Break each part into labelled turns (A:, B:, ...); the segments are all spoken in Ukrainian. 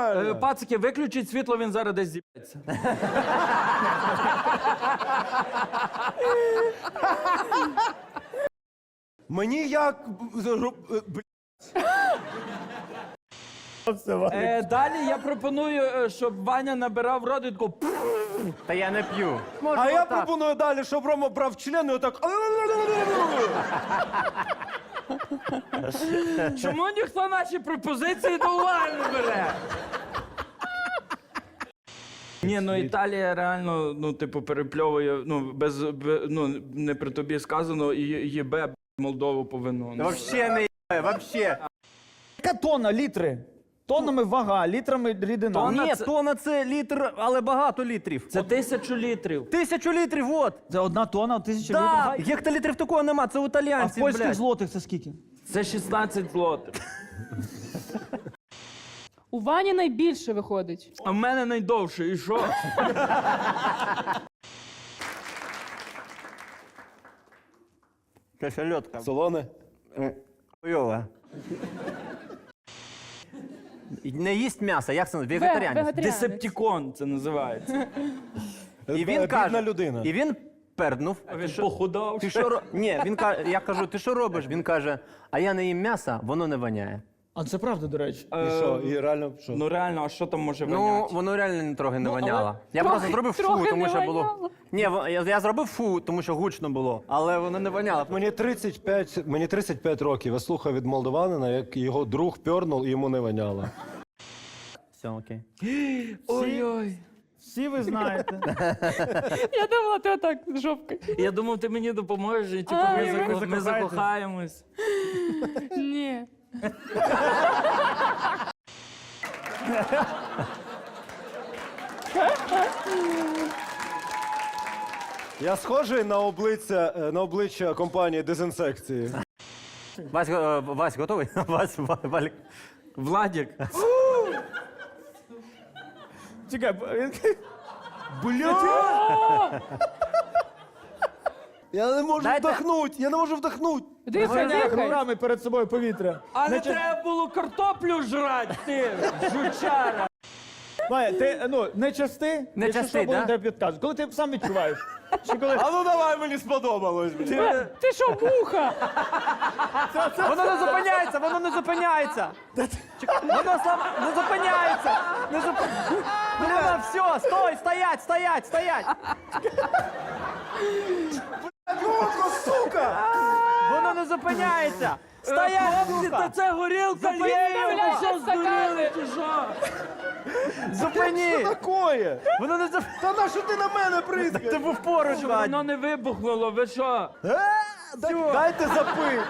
A: правильно.
B: Пацики, виключіть світло, він зараз десь з'їбеться.
A: Мені як...
B: Далі я пропоную, щоб Ваня набирав в рот і тако...
C: Та я не п'ю.
A: А я пропоную далі, щоб Рома брав член і отак...
B: Чому ніхто наші пропозиції до уваги не бере? Ні, ну Італія реально, ну, типу, перепльовує, ну, ну, не при тобі сказано, і їбе Молдову по вину.
C: Вообще не є, вообще.
D: Яка тонна, літри? Тоннами вага, літрами рідина.
B: Тонна
C: Ні,
B: це-
C: тонна це літр, але багато літрів.
B: Це 1000 літрів.
C: 1000 літрів, от.
D: Це 1 тонна, 1000
C: Так,
D: літрів.
C: гектолітрів такого нема, це у
D: А в
C: італіянців,
D: польських
C: блядь.
D: злотих це скільки?
B: Це 16 злотих.
E: У Вані найбільше виходить.
B: А в мене найдовше, і що?
C: Це шальотка.
A: Солоне?
C: Хуйова. Не їсть м'ясо, як це? Вегетаріанець.
B: Десептикон це називається.
C: І він
A: Бідна
C: каже,
A: людина.
C: і він перднув.
B: А він похудав.
C: Ти що Ні, він каже, я кажу, ти що робиш? Він каже, а я не їм м'яса, воно не воняє.
D: А це правда, до речі.
A: І що? І реально що?
B: Ну реально, а що там може
C: Ну,
B: воняти?
C: воно реально трохи не воняло. Я
E: трохи-
C: просто зробив фу,
E: трохи
C: тому
E: не
C: що було.
E: воняло.
C: Ні, я зробив фу, тому що гучно було, але воно не воняло.
A: Мені 35 років. Я слухав від молдаванина, як його друг пьорнув і йому не воняло.
C: Все, окей.
B: Ой-ой.
D: Всі ви знаєте.
E: Я думала, ти отак з жопкою.
B: Я думав, ти мені допоможеш, і типу,
E: Ай,
B: ми
D: закохаєтесь.
B: закохаємось.
E: Ні.
A: Я схожий на обличчя компанії дезінсекції.
C: Вась, готовий? Валік.
B: Владік.
D: Чекай,
A: Я не можу
C: Дайте-
A: вдохнути, я не можу вдохнути.
E: Дихай,
D: Ваня
E: дихай.
D: руками перед собою повітря.
B: А не треба було картоплю жрати, ти, жучара.
D: Ваня, ти, не части,
C: Не
D: якщо
C: части,
D: що, будемо
C: да?
D: тебе підказувати. Коли ти сам відчуваєш? Чи коли...
A: А ну давай, мені сподобалось.
E: Ти що, муха?
C: Воно не зупиняється, воно не зупиняється. Воно не зупиняється. Бля, все, стой, стоять.
A: Сука!
C: Воно не зупиняється. Стоять,
B: Хлопці, та
C: сука.
B: це горілка є,
E: Вставляйте
B: ви що здуріли,
E: стакани.
B: чи що?
C: Зупині.
A: Такое!
C: Воно не зупиняється.
A: Та на що ти на мене бризкаєш?
C: Ти був поруч, Вадь.
B: Воно не вибухнуло, ви що?
A: Дайте запив.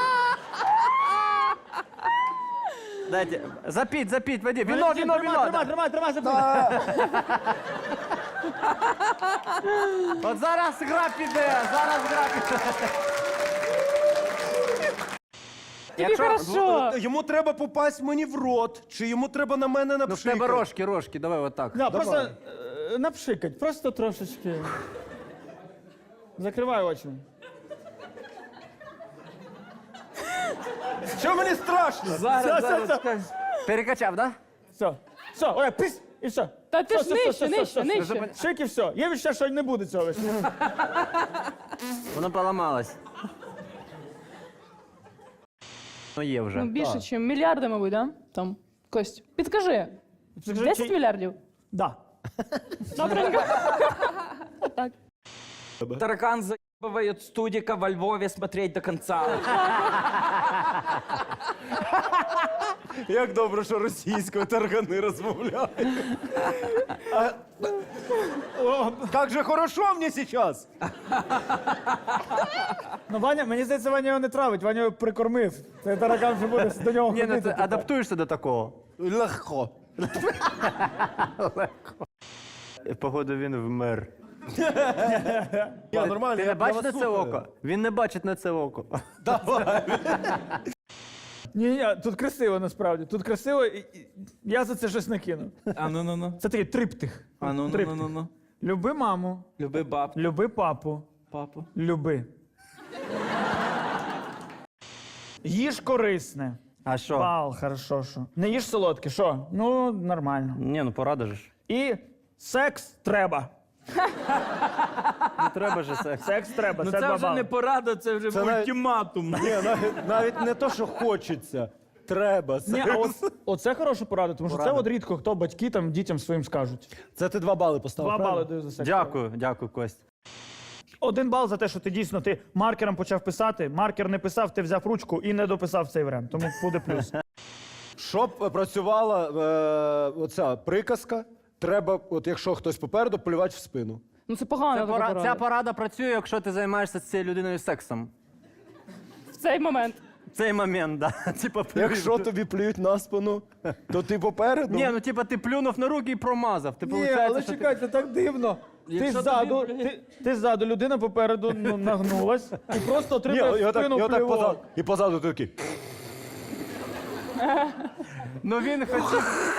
C: Дайте, запіть, Вадим. Віно.
D: Тримай, запитай.
C: От зараз гра піде.
E: Тобі хорошо.
A: Йому треба попасть мені в рот, чи йому треба на мене
C: Ну в
A: напшикати?
C: тебе рожки, давай отак.
D: Да, просто напшикать, просто трошечки. Закривай очі.
A: Що мені страшно?
B: Зараз.
C: Перекачав, да?
D: Все, ой, пись, і все.
E: Та ти ж
D: Все,
E: нижче.
D: Шик і все. Є відчуття, що не буде цього.
C: Воно поламалось. Ну є вже.
E: Ну, більше, ніж мільярди, мабуть, да? Там, Кость, підкажи. 10 мільярдів?
D: Да.
E: Добренько. Так.
B: Таракан заебывает студика во Львове смотреть до конца.
A: Як добре, що російською таргани розмовляють. Як же хорошо мені зараз.
D: Ну, Ваня, мені здається, Ваня його не травить, Ваня його прикормив. Це таракан вже буде до нього
C: Ні, ну
D: ходити.
C: ти адаптуєшся до такого.
A: Легко.
C: Походу він вмер.
A: Я нормально,
C: Ти
A: я
C: не бачиш
A: вас
C: на це
A: слухаю.
C: око? Він не бачить на це око.
D: Ні, тут красиво насправді. Тут красиво, я за це щось накину.
B: А ну.
D: Це такий триптих.
B: А ну.
D: Триптих. Люби маму,
B: Люби баб,
D: люби папу,
B: папу.
D: люби. Їж корисне,
C: А що?
D: Бал, хорошо, що. Не їж солодке, що? Ну, нормально.
C: Ні, ну порада ж.
D: І секс треба.
C: Не треба ж секс.
D: Секс треба,
B: Ну
D: це
B: це
D: 2
B: вже
D: бали.
B: не порада, це вже
A: Це навіть-
B: ультиматум.
A: Ні, навіть не то, що хочеться. Треба.
D: Ні, а оце хороша порада, тому що це от рідко хто батьки там дітям своїм скажуть.
A: Це ти 2 бали поставив.
D: 2 бали
A: правильно?
D: даю за секс.
C: Дякую, Кость.
D: 1 бал за те, що ти дійсно маркером почав писати, маркер не писав, ти взяв ручку і не дописав цей варіант. Тому буде плюс.
A: Щоб працювала оця приказка, треба, от якщо хтось попереду, полювати в спину.
E: Ну це погано. така порада.
C: Ця порада працює, якщо ти займаєшся з цією людиною сексом.
E: В цей момент.
C: В цей момент, да. Типа,
A: Якщо тобі плюють на спину, то ти попереду.
C: Ні, ну типа ти плюнув на руки і промазав. Ти,
D: Ні,
C: получається,
D: але
C: що
D: чекай, це так дивно. Ти
B: Якщо
D: ззаду,
B: тобі,
D: ти ззаду, людина попереду нагнулась і просто
A: Ні,
D: отримує
A: і
D: в
A: отак,
D: спину
A: і отак
D: плювок.
A: позаду, і позаду ти такий.
C: Ну він хотів.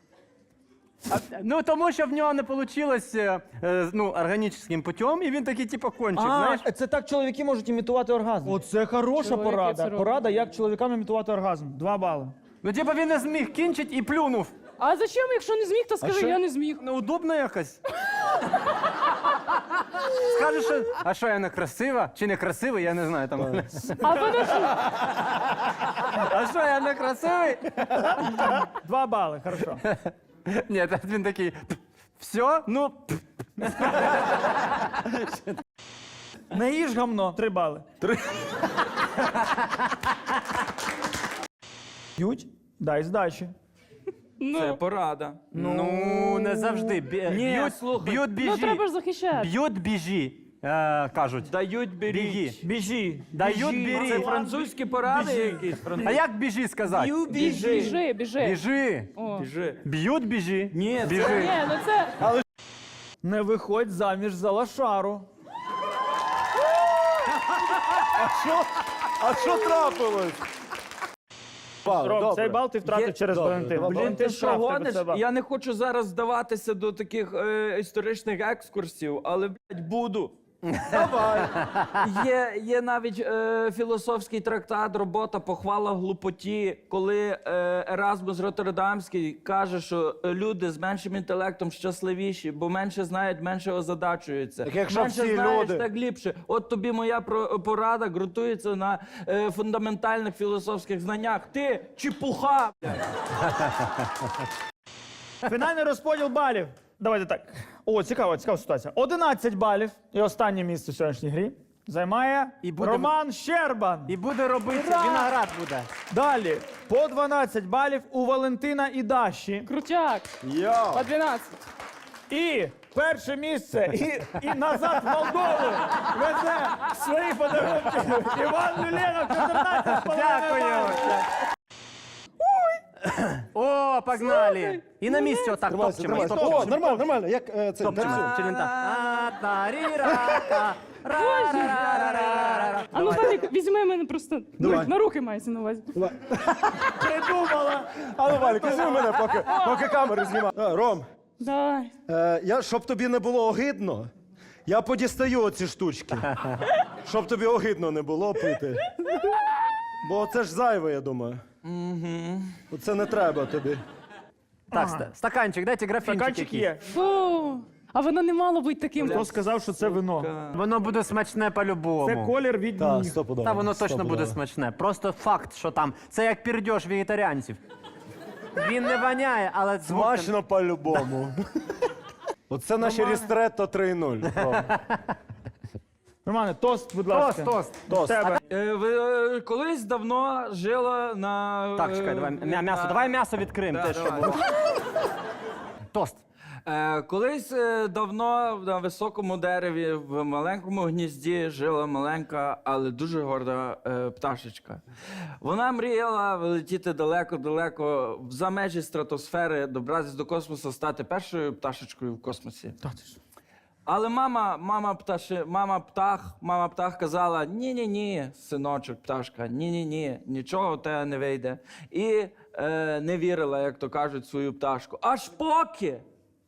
C: Ну тому що в нього не вийшло органічним путем, і він такий, типу, кончик, знаєш?
D: Це так чоловіки можуть імітувати оргазм. Оце хороша
E: Чоловіки це
D: порада.
E: роблять.
D: Порада, як чоловікам імітувати оргазм. 2 бали.
C: Ну, типу, він не зміг кінчить і плюнув.
E: А зачем, якщо не зміг, то скажи,
A: що?
E: я не зміг.
C: Ну, удобно якось. Скажеш, що, а що я не красива? Чи не красивий, я не знаю. Там.
E: А подожди.
C: А що я не красивий?
D: 2 бали, хорошо.
C: Ні, та він такий. Все? Ну.
D: Не їж гамно. 3 бали. 3. Б'ють? Дай здачі.
B: Це порада.
C: Ну, не завжди.
B: Ні, слухай.
C: Б'ють, біжі.
E: Ну треба ж захищати.
C: Б'ють, біжі, кажуть.
B: Дають
C: Біги.
B: беріть.
D: Біжі.
C: Дають,
B: Це
C: бері.
B: французькі поради якісь?
C: А як біжі сказати?
E: Біжи, біжи.
C: Біжи.
E: О.
B: Біжи.
C: Б'ють, біжі.
B: Ні, це-
C: біжи.
E: Ні, ну це.
D: Не виходь заміж за лошару.
A: А що трапилось? Бал,
D: Ром,
A: добре.
D: цей бал ти втратив
B: Є-
D: через
A: Добре,
D: Валентин.
A: два бали.
B: Блін, ти що
D: штраф, тебе
B: гониш?
D: це бал.
B: Я не хочу зараз здаватися до таких історичних екскурсів, але, блядь, буду.
A: Давай.
B: Є навіть філософський трактат «Робота, похвала глупоті», коли Еразмус Роттердамський каже, що люди з меншим інтелектом щасливіші, бо менше знають, менше озадачуються.
A: Так якщо
B: менше
A: всі
B: знаєш,
A: люди-
B: так ліпше. От тобі моя порада ґрунтується на фундаментальних філософських знаннях. Ти чепуха!
D: Фінальний розподіл балів. Давайте так. О, цікава ситуація. 11 балів і останнє місце в сьогоднішній грі займає
C: І буде-
D: Роман Щербан.
C: І буде робити,
D: Ура!
C: виноград буде.
D: Далі по 12 балів у Валентина і Даші.
E: Крутяк.
A: Йо.
E: По 12.
D: І перше місце і назад в Молдову везе свої подарунки. Іван Люленов, 14,5
C: Дякую.
D: балів.
C: О, погнали. І на місці отак
A: Тримайся,
C: топчемо.
A: тримайся.
C: топчемо.
A: О, нормально, нормально. Як це?
C: Топчемо. Чи він так? А-та-рі-ра-та. Ра-ра-ра-ра-ра-ра.
E: А ну, Валік, візьми мене просто
A: Давай.
E: на руки мається на увазі.
D: Придумала.
A: А ну, Валік, візьми мене, поки камеру знімаю. Ром,
E: Давай.
A: щоб тобі не було огидно, я подістаю оці штучки. Щоб тобі огидно не було пити. Бо це ж зайве, я думаю. Оце не треба тобі.
C: Так, стаканчик, дайте графінчик
D: Стаканчик
C: якийсь.
D: є.
E: Фу. А воно не мало бути таким.
D: Хто сказав, що це вино?
C: Воно буде смачне
D: Це
C: по-любому.
D: колір від
A: Так,
D: ніг.
A: стопудово.
C: Та воно точно
A: стопудово.
C: буде смачне. Просто факт, що там. Це як пірдьош вегетаріанців. Він не воняє, але звук...
A: Смачно по-любому. Оце наші рістретто 3:0. Ром.
D: Романе, тост, будь
C: Тост,
D: ласка.
C: тост.
A: Тост.
D: Тебе.
B: Колись давно жила на...
C: Так, чекай, давай м'ясо. Давай м'ясо відкриємо.
B: Да,
C: Те, що
B: давай.
C: було. Тост.
B: Колись давно на високому дереві в маленькому гнізді жила маленька, але дуже горда пташечка. Вона мріяла вилетіти далеко-далеко за межі стратосфери, добратися до космосу, стати першою пташечкою в космосі. Але мама птах казала: ні, синочок, пташка, ні, нічого в тебе не вийде. І не вірила, як то кажуть, в свою пташку. Аж поки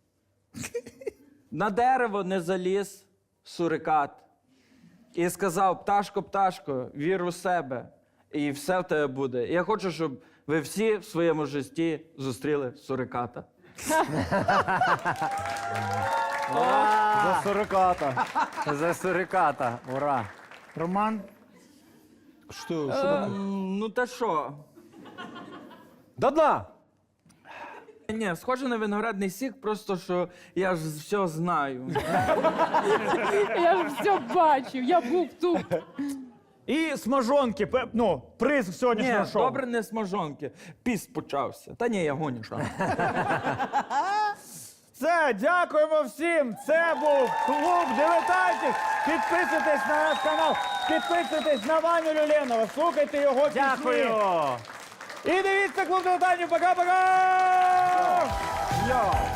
B: на дерево не заліз сурикат і сказав: пташко, вір у себе. і все в тебе буде. Я хочу, щоб ви всі в своєму житті зустріли суриката.
A: За суриката.
C: За суриката. Ура.
D: Роман,
A: Що?
B: Ну та що?
A: До дна!
B: Ні, схоже на виноградний сік, просто що я ж все знаю.
E: Я ж все бачив, я був тут.
D: і смажонки, ну, приз сьогоднішнього
B: Ні,
D: шоу.
B: добре не смажонки. Піст почався. Та ні, я гоню. Що?
D: Все, дякуємо всім. Це був клуб дилетантів. Підписуйтесь на наш канал, підписуйтесь на Ваню Люленова, слухайте його пісні.
C: Дякую.
D: І дивіться клуб дилетантів. Пока-пока!
A: Йо!